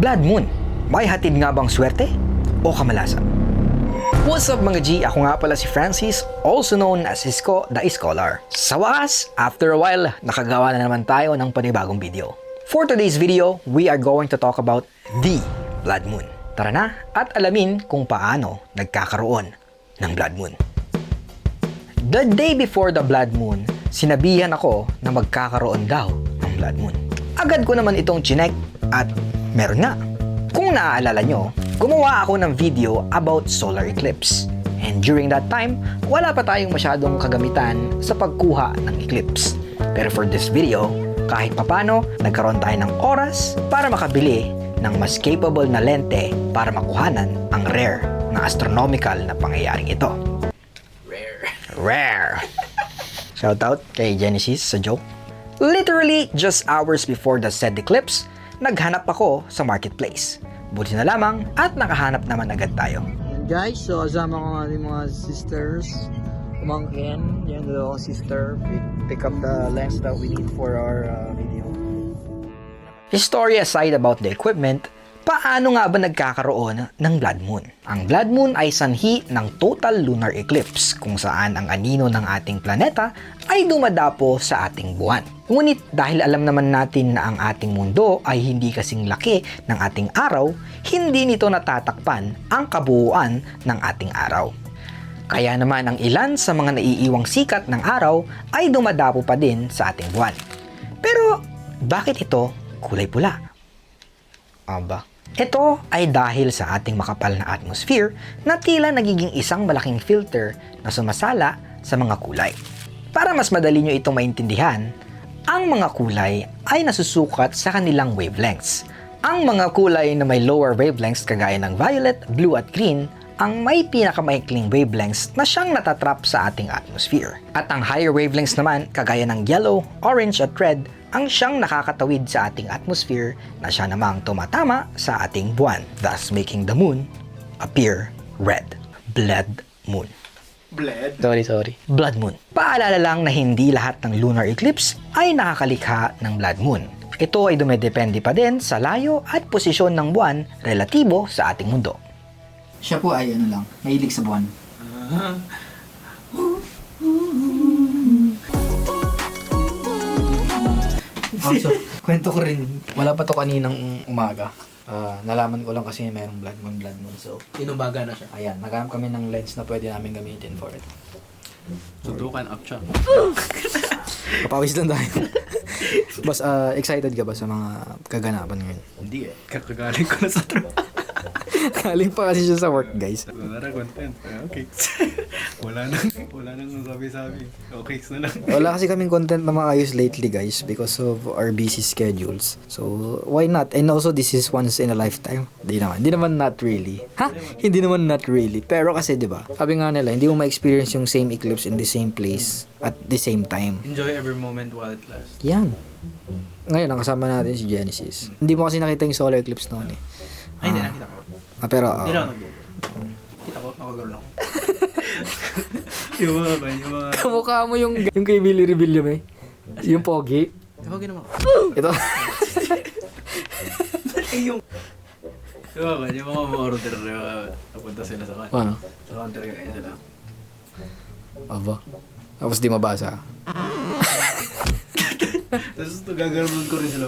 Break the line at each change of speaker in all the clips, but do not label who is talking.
Blood Moon, may hatid nga bang swerte o kamalasan? What's up mga G? Ako nga pala si Francis, also known as Isko the Scholar. Sa wakas, after a while, nakagawa na naman tayo ng panibagong video. For today's video, we are going to talk about the Blood Moon. Tara na at alamin kung paano nagkakaroon ng Blood Moon. The day before the Blood Moon, sinabihan ako na magkakaroon daw ng Blood Moon. Agad ko naman itong chinek at meron nga. Kung naaalala nyo, gumawa ako ng video about solar eclipse. And during that time, wala pa tayong masyadong kagamitan sa pagkuha ng eclipse. Pero for this video, kahit papano, nagkaroon tayo ng oras para makabili ng mas capable na lente para makuhanan ang rare na astronomical na pangyayaring ito. Rare! Shoutout kay Genesis sa joke. Literally, just hours before the said eclipse, naghanap ako sa marketplace. Buti na lamang at nakahanap naman agad tayo.
Guys, so kasama ko nga yung mga sisters, umangkin, yung dalawang sister, pick up the lens that we need for our video.
Story aside about the equipment, paano nga ba nagkakaroon ng Blood Moon? Ang Blood Moon ay sanhi ng total lunar eclipse kung saan ang anino ng ating planeta ay dumadapo sa ating buwan. Ngunit dahil alam naman natin na ang ating mundo ay hindi kasing laki ng ating araw, hindi nito natatakpan ang kabuuan ng ating araw. Kaya naman ang ilan sa mga naiiwang sikat ng araw ay dumadapo pa din sa ating buwan. Pero bakit ito kulay pula? Aba, ito ay dahil sa ating makapal na atmosphere na tila nagiging isang malaking filter na sumasala sa mga kulay. Para mas madali nyo itong maintindihan, ang mga kulay ay nasusukat sa kanilang wavelengths. Ang mga kulay na may lower wavelengths kagaya ng violet, blue at green ang may pinakamaikling wavelengths na siyang natatrap sa ating atmosphere. At ang higher wavelengths naman kagaya ng yellow, orange at red ang siyang nakakatawid sa ating atmosphere na siya namang tumatama sa ating buwan, thus making the moon appear red. Blood Moon. Sorry. Blood Moon. Paalala lang na hindi lahat ng lunar eclipse ay nakakalikha ng Blood Moon. Ito ay dumedepende pa din sa layo at posisyon ng buwan relatibo sa ating mundo.
Siya po ay ano lang, mahilig sa buwan. Also, kwento ko rin, wala pa to kaninang umaga. Nalaman ko lang kasi mayroong blood moon. So,
Tinubaga na siya.
ayan, naghanap kami ng lens na pwede namin gamitin for it.
Sundukan up siya.
Papawis lang tayo. Boss, excited ka ba sa mga kaganapan ngayon?
Hindi eh. Kakagaling ko na sa trabaho.
Galing pa kasi siya sa work, guys.
Wala na content. Okay. wala nang sabi-sabi. Okay na lang.
Wala kasi kaming content na maayos lately, guys, because of our busy schedules. So, why not? And also, this is once in a lifetime. Hindi naman not really. Hindi naman not really. Pero kasi, di ba? Sabi nga nila, hindi mo ma-experience yung same eclipse in the same place at the same time.
Enjoy every moment while it lasts.
Yan. Ngayon, ang kasama natin si Genesis. Hindi mo kasi nakita yung solar eclipse noon eh.
Ay, hindi nakita ko.
Pero,
Hindi lang nag-google. Kita ko, nakagaro lang. yung mga...
kamukha mo yung kay Billy Rebellion eh. Yung pogi.
Diba ginawa ko?
Ito.
yung... Diba ba, yung mga order na napunta sila sa counter.
Ano?
Sa counter kaya sila.
Aba. Tapos di mabasa.
Tapos gagano'n ko rin sila.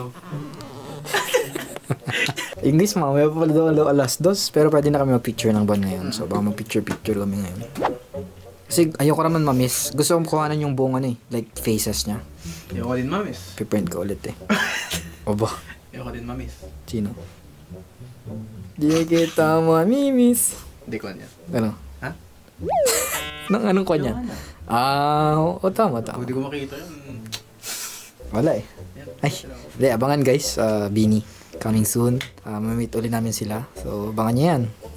English, mamaya pa pala daw alas 2, pero pwede na kami mag-picture ng buwan ngayon. So, baka mag-picture kami ngayon. Kasi ayoko naman ma-miss. Gusto kong kuhanan yung buong ano eh, like faces niya.
Ayoko din mamis.
Piprint ko ulit eh. Aba.
Ayoko din mamis.
Sino? Di kita mamimiss.
Hindi ko niya.
Ano?
Ha?
Anong kanya? Tama.
Hindi ko makita yun.
Wala eh. Ay, hindi, abangan guys. Bini. Coming soon. Mamit ulit namin sila. So, abangan nyo yan.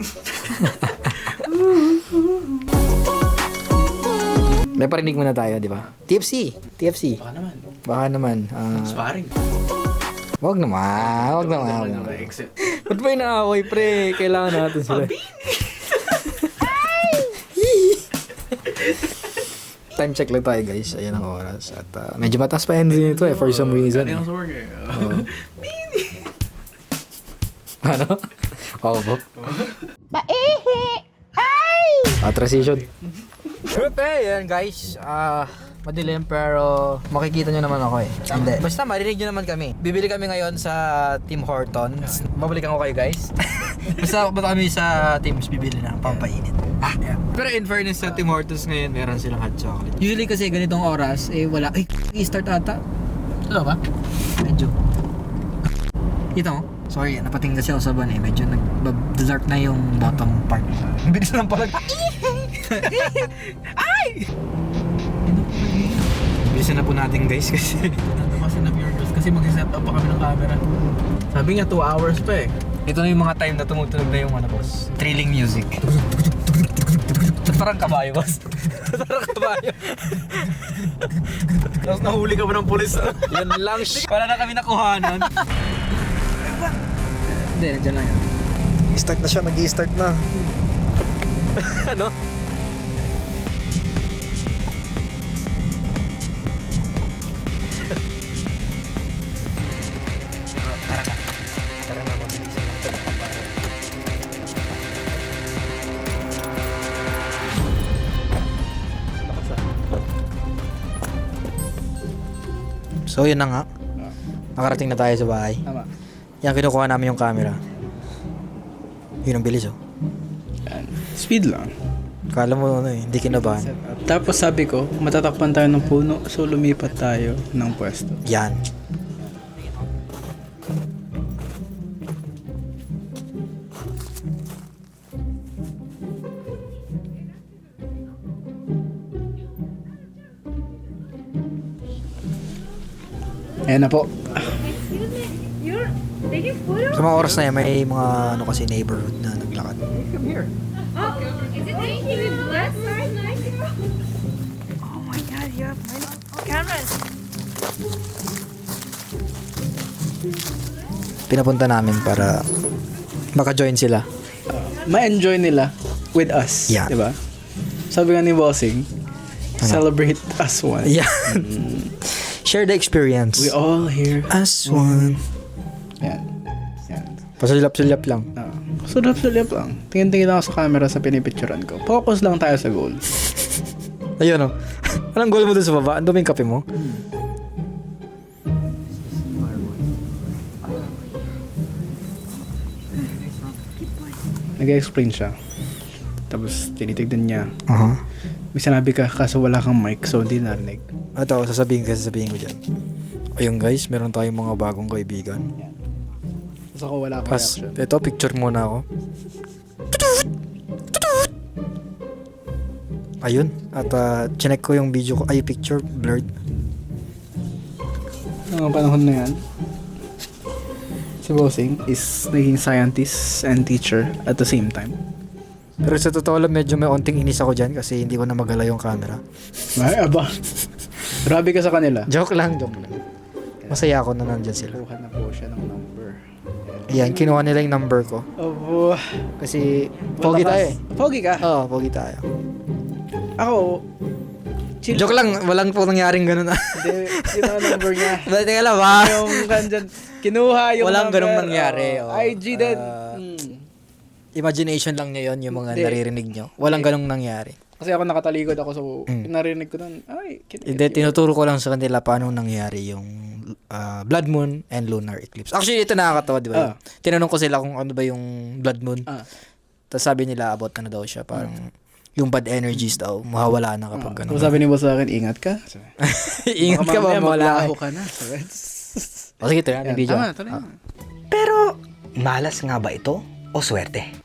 May parinig muna tayo, di ba? TFC. Baka naman.
Sparring.
Wag naman.
Exit.
Ba't ba inaaway, pre? Kailangan natin sila. Time check lang tayo, guys. Ayan ang oras. At medyo mataas pa energy nito for some reason.
Kanina sa work eh.
Ano? Oo po. Transition. Okay, yan guys. Madilim pero makikita nyo naman ako eh. Hindi. Basta marinig nyo naman kami. Bibili kami ngayon sa Tim Hortons. Babalikan ko kayo guys. Basta kami sa Tim's bibili ng pampainit. Pero in fairness sa Tim Hortons ngayon, meron silang hot chocolate. Usually kasi ganitong oras, wala. I-start ata. Ano ba? Medyo. Ito mo? Sorry, napating kasi ako sa ban eh. Medyo nag-dark na yung bottom part. Bilis lang pala. Ay! Bilisan na po natin guys kasi
Kasi na pure girls kasi mag-set up pa kami ng camera. Sabi nga 2 hours pa eh.
ito na yung mga time na tumutunog na yung boss. Thrilling music. Parang kabayo, boss. Parang kabayo.
Tapos nahuli ka pa ng pulis.
Yan lang. Wala na kami nakuhanan. Hindi, nandiyan lang yan.
Start na siya, nag-i-start na.
Ano? Tara na, mabilisan natin. So yun na nga. Nakarating na tayo sa bahay.
Tama.
Yan, kinukuha namin yung camera. Yun ang bilis oh.
Speed lang.
Kala mo hindi kinabahan.
Tapos sabi ko, matatakpan tayo ng puno, so lumipat tayo ng pwesto.
Yan.
Ayan na po.
Excuse me, you're taking photos?
Sa mga oras na yan, may mga kasi neighborhood na naglakad.
Oh, is it taking you with glass? Oh my god, you have many cameras.
Pinapunta namin para maka-join sila.
Ma-enjoy nila with us.
Yeah.
Diba? Sabi nga ni Bossing, celebrate as one.
Yan. Share the experience.
We all here.
As one.
Yan. Yan.
Pasulap-sulap lang.
Sulap-sulap lang. Tingin-tingin ako sa camera sa pinipicturan ko. Focus lang tayo sa goal.
Ayun oh. Anong goal mo dun sa baba? Ang daming kape mo?
Nag-explain siya. Tapos tinitignan niya.
Aha.
May sinabi ka kaso wala kang mic so hindi narinig.
Ito, sasabihin ko dyan. Ayun guys, meron tayong mga bagong kaibigan.
Tapos ako wala pa
Pas,
reaction.
ito, picture muna ako. Ayun. At chinek ko yung video ko. Ay, picture, blurred.
Noong panahon na yan, si Bossing is naging scientist and teacher at the same time.
Pero sa totoo lang, medyo may onting inis ako dyan kasi hindi ko na magala yung camera.
Ay, aba. Grabe ka sa kanila.
Joke lang. Masaya ako na nandyan sila.
Kuha na po siya ng number.
Ayan, kinuha nila yung number ko.
Abo.
Kasi, pogi tayo eh.
Pogi ka?
Oo, pogi tayo.
Ako, chill.
Joke lang, walang po nangyaring ganun.
Hindi, kinuha number niya.
Teka lang ba?
Yung kanjan, kinuha yung
Walang
number.
ganung nangyari,
Oh,
oh.
IG din.
Imagination lang niya yon yung mga
Hindi.
naririnig nyo. Walang ganung nangyari.
Kasi ako nakatalikod ako so narinig ko doon. Ay,
Hindi, tinuturo ko lang sa kanila paano nangyari yung blood moon and lunar eclipse. Actually, ito nakakatawa, di ba? Tinanong ko sila kung ano ba yung blood moon. Tapos sabi nila about na daw siya. Parang yung bad energies daw, mawawala na kapag
So
gano'n.
sabi ni boss sa akin, ingat ka.
Ingat ka ba, mawala
Maglaho
ka.
ka na.
O sige, ito na,
Yan,
video.
tama, tuloy na.
Pero, malas nga ba ito o swerte?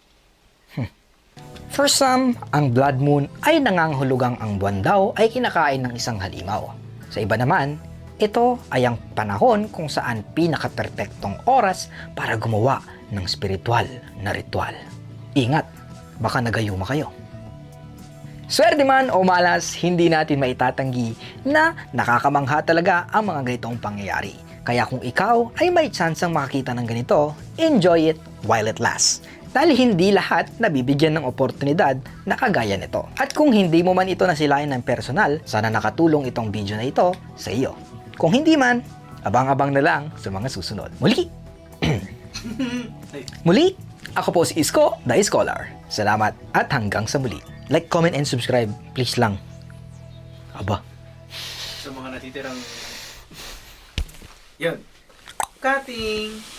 For some, ang blood moon ay nangangahulugang ang buwan daw ay kinakain ng isang halimaw. Sa iba naman, ito ay ang panahon kung saan pinaka-perpektong oras para gumawa ng spiritual na ritual. Ingat, baka nagayuma kayo. Swerte man o malas, hindi natin maitatanggi na nakakamangha talaga ang mga ganitong pangyayari. Kaya kung ikaw ay may tsansang makakita ng ganito, enjoy it while it lasts. Dahil hindi lahat nabibigyan ng oportunidad na kagaya nito. At kung hindi mo man ito nasilayan ng personal, sana nakatulong itong video na ito sa iyo. Kung hindi man, abang-abang na lang sa mga susunod. Muli! Muli, ako po si Isko, the Scholar. Salamat at hanggang sa muli. Like, comment, and subscribe. Please lang. Aba.
Sa mga natitirang... Yun. Cutting!